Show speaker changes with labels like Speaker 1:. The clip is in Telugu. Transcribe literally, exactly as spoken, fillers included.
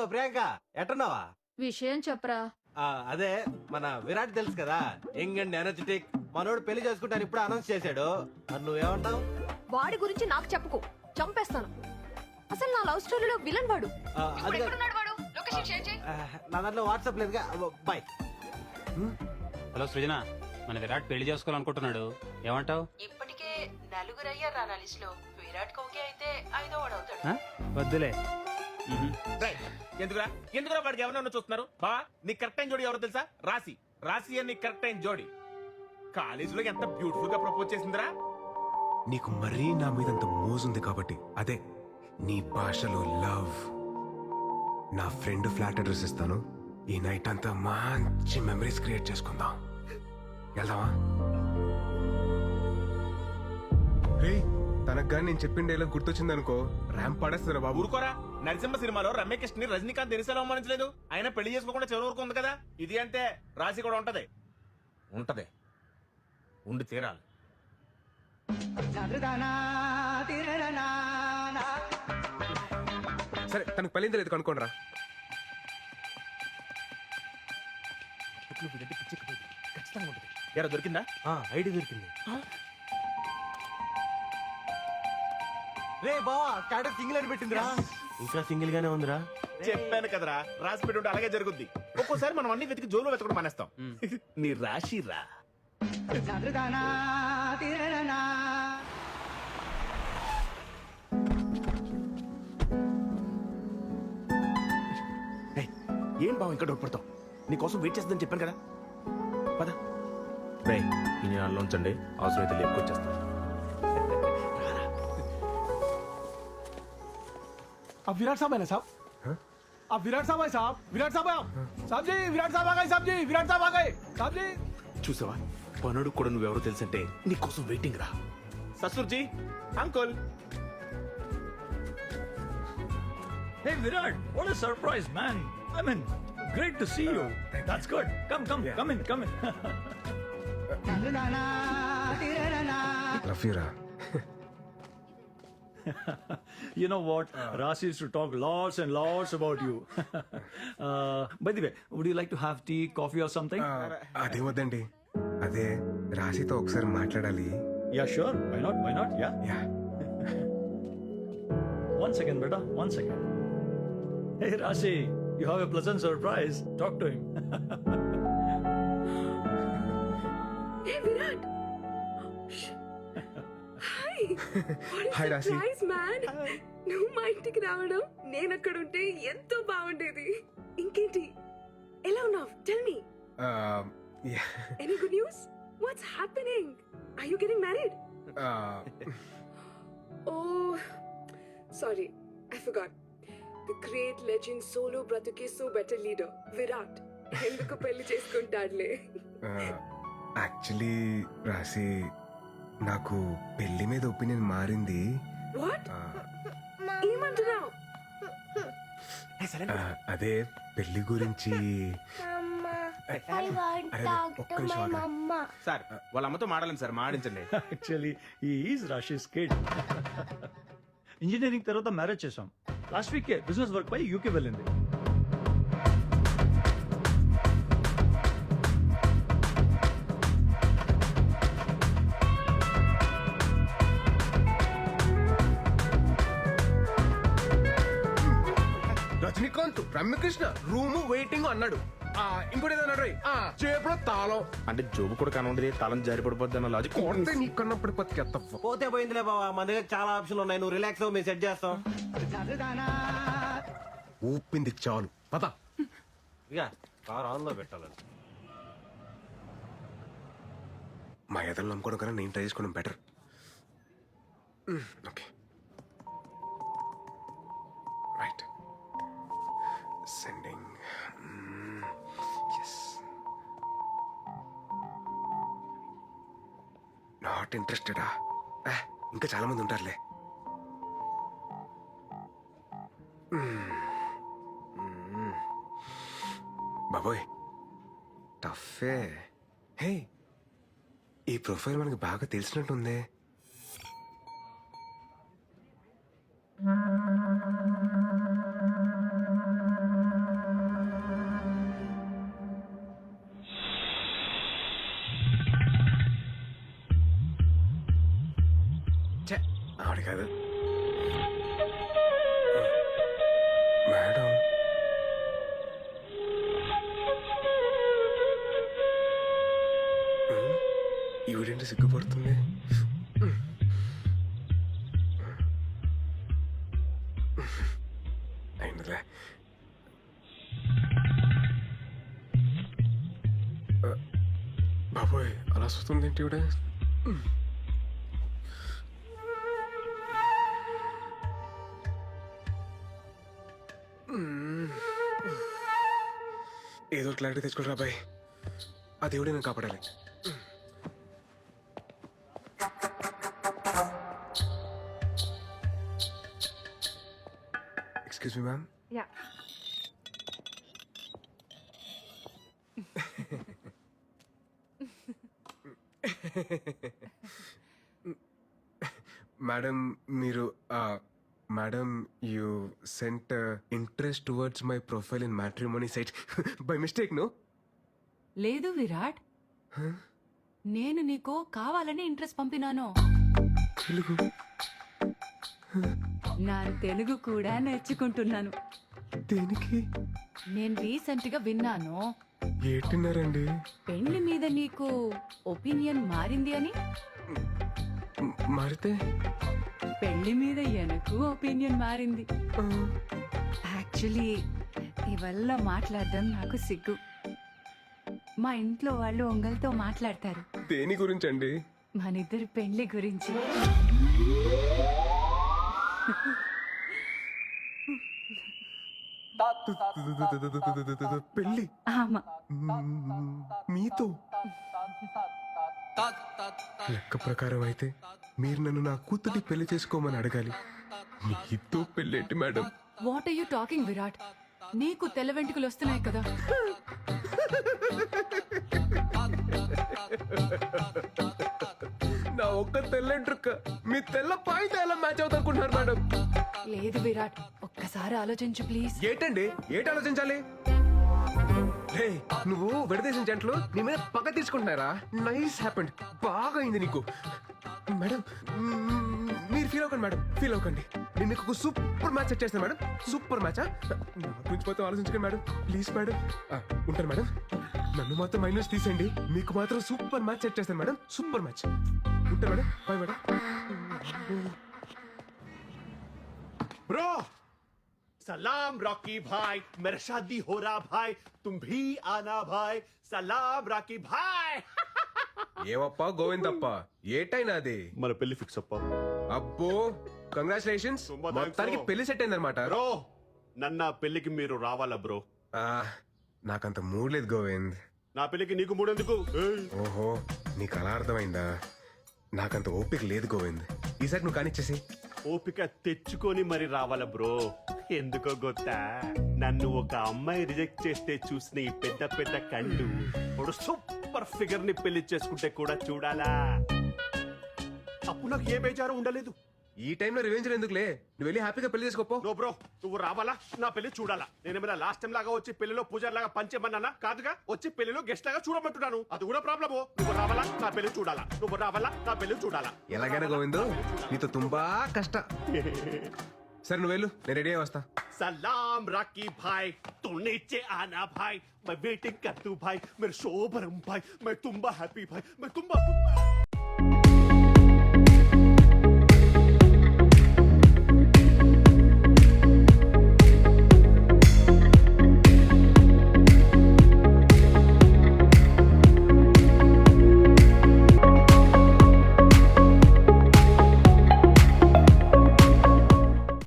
Speaker 1: ప్రియాంక ఎట్టున్నావా?
Speaker 2: విషయం చెప్పరా.
Speaker 1: ఆ, అదే మన విరాట్ తెలుసు కదా, యంగ్ అండ్ ఎనర్జెటిక్. మనోడు పెళ్లి చేసుకుంటాను ఇప్పుడు అనౌన్స్ చేశాడు. మరి నువ్వేమంటావు?
Speaker 3: వాడి గురించి నాకు చెప్పుకో, చంపేస్తాను. అసలు నా లవ్ స్టోరీలో విలన్ వాడు.
Speaker 1: ఆ, అది
Speaker 3: ఇప్పుడు
Speaker 1: కాదు.
Speaker 3: ఎక్కడున్నాడు వాడు? లొకేషన్ షేర్ చేయి.
Speaker 1: ఆ, నా దాంట్లో వాట్సాప్ లేదుగా. బాయ్.
Speaker 4: హలో సృజన, మన విరాట్ పెళ్లి చేసుకోవాలనుకుంటున్నాడు, ఏమంటావు?
Speaker 5: ఇప్పటికే నలుగురు అయ్యారు రా నా లిస్ట్ లో. విరాట్ కోహ్లీ అయితే ఐదో వాడు అవుతాడు.
Speaker 4: వద్దులే.
Speaker 6: ఎందుకురా ఎందుకురా వాడికి ఎవరన్నా చూస్తున్నారు? బా నీ కరెక్ట్ టైం జోడి ఎవరో తెలుసా? రాశి. రాశి అని కరెక్ట్ టైం జోడి కాలేజీలో ఎంత బ్యూటిఫుల్ గా ప్రపోజ్ చేసిందిరా.
Speaker 7: నీకు మరీ నా మీద అంత మోజుంది కాబట్టి అదే నీ భాషలో లవ్. నా ఫ్రెండ్ ఫ్లాట్ అడ్రస్ ఇస్తాను. ఈ నైట్ అంతా మంచి మెమరీస్ క్రియేట్ చేసుకుందాం. వెళ్దామా? రే, తనకు కానీ నేను చెప్పిన డైలాగ్ గుర్తొచ్చింది అనుకో, ర్యాంప్ పడేస్తారా బాబు.
Speaker 6: ఊరుకోరా. నరసింహ సినిమాలో రమ్యకృష్ణ ని రజనీకాంత్ దినిసేలా అవమానించలేదు. ఆయన పెళ్లి చేసుకోకుండా చివరి వరకు ఉంది కదా. ఇది అంటే రాశి కూడా ఉంటది. ఉంటది ఉండి తీరాలి.
Speaker 7: సరే, తనకు పెళ్ళింది లేదు కనుక్కోండి రా.
Speaker 6: ఎరా దొరికిందా?
Speaker 1: ఐడి దొరికింది. రే బావా, స్టాటస్ సింగిల్ అని పెట్టిందిరా. ఇంకా సింగిల్ గానే ఉందిరా.
Speaker 6: చెప్పాను కదరా, రాసి పెట్టి ఉంటే అలాగే జరుగుద్ది. ఒక్కోసారి మనం అన్ని వెతికి జోలు వెతకడం మానేస్తాం. నీ రాశి రా. ఏయ్, ఏం బావ ఇంకా డౌట్ పడతావు? నీకోసం వెయిట్ చేస్తుందని చెప్పాను కదా. పద రే, ఈ నెలలో ఉంచండి, అవసరమైతే లేపుకొచ్చేస్తాను.
Speaker 8: अब विराट साहब है ना साहब? अब विराट साहब है साहब? विराट साहब है आप? साहब जी, विराट साहब आ गए साहब जी, विराट साहब आ गए साहब जी.
Speaker 6: చూసావా, పనుడు కూడా నువ్వెవరో తెలుసంటే నీకోసం వెయిటింగ్ రా. ససుర్జీ, uncle.
Speaker 9: Hey Virat, what a surprise, man! I mean, great to see you. That's good. Come, come, come in, come in.
Speaker 7: Love you రా.
Speaker 9: You know what? Rasi used to talk lots and lots about you. uh, by the way, would you like to have tea, coffee, or something?
Speaker 7: అదే వద్దండి, అదే రాశితో ఒకసారి మాట్లాడాలి.
Speaker 9: Yeah, sure. Why not? Why not? Yeah.
Speaker 7: Yeah.
Speaker 9: One second, beta. One second. Hey, Rasi, you have a pleasant surprise. Talk to him.
Speaker 3: Hey Virat. Hi.
Speaker 7: Hi Rashi.
Speaker 3: Surprise man. నువ్వు మా ఇంటికి రావడం, నేను అక్కడ ఉంటే ఎంతో బాగుండేది. ఇంకేంటి, ఎలా ఉన్నావు? Tell me.
Speaker 7: ఆ, yeah.
Speaker 3: Any good news? What's happening? Are you getting married?
Speaker 7: ఆ,
Speaker 3: Oh, sorry, I forgot. The great legend solo బ్రతుకే సో బెటర్ లీడర్ విరాట్ ఎందుకు పెళ్లి చేసుకుంటాడులే.
Speaker 7: యాక్చువల్లీ రాశి, నాకు పెళ్లి మీద ఒపీనియన్ మారింది.
Speaker 3: వాట్?
Speaker 7: ఆ,
Speaker 3: ఏమంటున్నావు?
Speaker 7: ఆ, అదే పెళ్లి గురించి. అరే, ఒక్క నిమిషం ఆగరా.
Speaker 6: సార్, వాళ్ళ అమ్మతో మాడాలని సార్, మాడించండి.
Speaker 9: Actually, he is Rashi's kid. Engineering తర్వాత మ్యారేజ్ చేసాం. లాస్ట్ వీక్ బిజినెస్ వర్క్ పై యూకే వెళ్ళింది.
Speaker 7: రజనీకాంత్, రమ్యకృష్ణ రూము వెయిటింగ్ అన్నాడు. ఆ, ఇంకోటి ఏదో అన్నాడు. ఆ, చేపలో తాళం
Speaker 6: అంటే జోబు కూడా కనుండేది, తలం జారి పడిపోద్ది అన్న లాజిక్.
Speaker 7: కొడితే నీ కన్నప్పుడు పత్తి
Speaker 1: పోతే పోయిందిలే బావా, మన దగ్గర చాలా ఆప్షన్లు ఉన్నాయి. నువ్వు రిలాక్స్ అవ్వు, మేము సెట్ చేస్తాం.
Speaker 7: ఊపింది చాలు, పద.
Speaker 1: ఇక కార్ ఆన్ లో పెట్టాలని.
Speaker 7: మా ఎదలు నమ్ముకోవడం కన్నా నేను ట్రై చేసుకోవడం better. Okay, right. Sending. Yes. Not ఇంట్రెస్టెడా? ఇంకా చాలా మంది ఉంటారులే. బాబోయ్, టఫే. హే, ఈ ప్రొఫైల్ మనకి బాగా తెలిసినట్టుందే. ఛే, ఆవిడ కాదు మేడం. ఈవిడేంటి సిగ్గుపడుతుంది? అయిందిలే. బాబోయ్, అలా వస్తుంది ఏంటి ఈవిడ? ఏదో క్లారిటీ తెచ్చుకోరా బాయ్. ఆ దేవుడే నేను కాపాడాలి. Excuse me ma'am.
Speaker 3: Yeah
Speaker 7: madam మీరు madam you sent interest towards my profile in matrimony site by mistake no?
Speaker 5: లేదు విరాట్, నేను నీకు కావాలని ఇంట్రెస్ట్ పంపినాను.
Speaker 7: తెలుగు
Speaker 5: నా తెలుగు కూడా నేర్చుకుంటున్నాను.
Speaker 7: దేనికి?
Speaker 5: నేను రీసెంట్ గా విన్నాను,
Speaker 7: ఏటిన్నారండి?
Speaker 5: పెళ్లి మీద నీకు ఒపీనియన్ మారింది అని.
Speaker 7: మ్- మారితే
Speaker 5: పెళ్లి మీద ఎనకు ఒపీనియన్ మారింది.
Speaker 7: ఆ,
Speaker 5: యాక్చువల్లీ ఇవల్ల మాట్లాడడం నాకు సిగ్గు. మా ఇంట్లో వాళ్ళు ఒంగల్తో మాట్లాడతారు
Speaker 7: దేని గురించి అండి?
Speaker 5: మనిద్దరి పెళ్లి గురించి.
Speaker 7: పెళ్ళి
Speaker 5: ఆమా,
Speaker 7: మ్, మీతో? లెక్క ప్రకారం అయితే మీరు నన్ను నా కూతుర్ని పెళ్లి చేసుకోమని అడగాలి. మీతో పెళ్ళేంటి madam?
Speaker 5: What are you talking Virat? నీకు తెల్ల వెంట్రుకలు వస్తున్నాయి కదా.
Speaker 7: నా ఒక్క తెల్లంట్రుక్క మీ తెల్ల పాయింట్ ఎలా మ్యాచ్ అవుతారుకుంటున్నారు మేడం?
Speaker 5: లేదు విరాట్, ఒక్కసారి ఆలోచించు ప్లీజ్.
Speaker 7: ఏటండి ఏటి ఆలోచించాలి? హే, నువ్వు విడదీసిన జంటలు నీ మీద పగ తీసుకుంటున్నారా? నైస్ హ్యాపెండ్, బాగా అయింది నీకు. మేడం మ్మ్, మీరు ఫీల్ అవ్వకండి మేడం, ఫీల్ అవ్వకండి. నేను మీకు ఒక సూపర్ మ్యాచ్ సెట్ చేస్తాను మేడం. సూపర్ మ్యాచా? నా గురించి మొత్తం ఆలోచించకండి మేడం, ప్లీజ్ మేడం. ఆ, ఉంటాను మేడం. నన్ను మాత్రం మైనస్ తీసేయండి, మీకు మాత్రం సూపర్ మ్యాచ్ సెట్ చేస్తాను మేడం. Super match. ఉంటాను మేడం, బాయ్ మేడం.
Speaker 2: ब्रो सलाम रॉकी भाई, मेरा शादी हो रहा भाई, तुम भी आना भाई. सलाम रॉकी भाई.
Speaker 7: ఏవప్పా గోవిందప్ప, ఏటైనా అది?
Speaker 2: మన పెళ్లి ఫిక్స్ అప్ప
Speaker 7: అబ్బో, కంగ్రాచులేషన్స్.
Speaker 2: తుంబా thanks,
Speaker 7: మొత్తానికి
Speaker 2: bro.
Speaker 7: పెళ్లి సెట్ అయిందనమాట.
Speaker 2: బ్రో, నన్న పెళ్లికి మీరు రావాలా బ్రో?
Speaker 7: నాకంత మూడ్ లేదు గోవింద్.
Speaker 2: నా పెళ్లికి నీకు మూడెందుకు? ఏయ్,
Speaker 7: ఓహో, నీకు అలా అర్థమైందా? నాకంత ఓపిక లేదు గోవింద్. ఈసారి నువ్వు కానిచ్చేసి.
Speaker 2: ఓపిక తెచ్చుకొని మరి రావాలా బ్రో? ఎందుకో గొత్తా, నన్ను ఒక అమ్మాయి రిజెక్ట్ చేస్తే చూసిన ఈ పెద్ద పెద్ద కళ్ళు ఇప్పుడు సూపర్ ఫిగర్ ని పెళ్లి చేసుకుంటే కూడా చూడాలా? అప్పుడు నాకు ఏ బేజారు ఉండలేదు.
Speaker 7: ఈ టైంలో రివెంజ్ ఎందుకులే, నువ్వు వెళ్ళి హ్యాపీగా పెళ్లి చేసుకోపో.
Speaker 2: నో బ్రో, నువ్వు రావాలా? నా పెళ్లి చూడాలా? నేనేమైనా లాస్ట్ టైం లాగా వచ్చి పెళ్లిలో పూజారి లాగా పంచేమన్నానా? కాదుగా, వచ్చి పెళ్లిలో గెస్ట్ లాగా చూడమంటున్నాను. అది కూడా ప్రాబ్లము. నువ్వు రావాలా? నా పెళ్లి చూడాలా? నువ్వు రావాలా? నా పెళ్లి చూడాలా?
Speaker 7: ఎలాగైనా గోవింద్, నీతో తుంబా కష్ట. సరే నువ్వు వెళ్ళు, నేను రెడీ అయ్యి వస్తా.
Speaker 2: सलाम राकी भाई, तू नीचे आना भाई, मैं वेटिंग कर तू भाई, मेरे शोभरम भाई, मैं तुम्बा हैप्पी भाई, मैं तुम्बा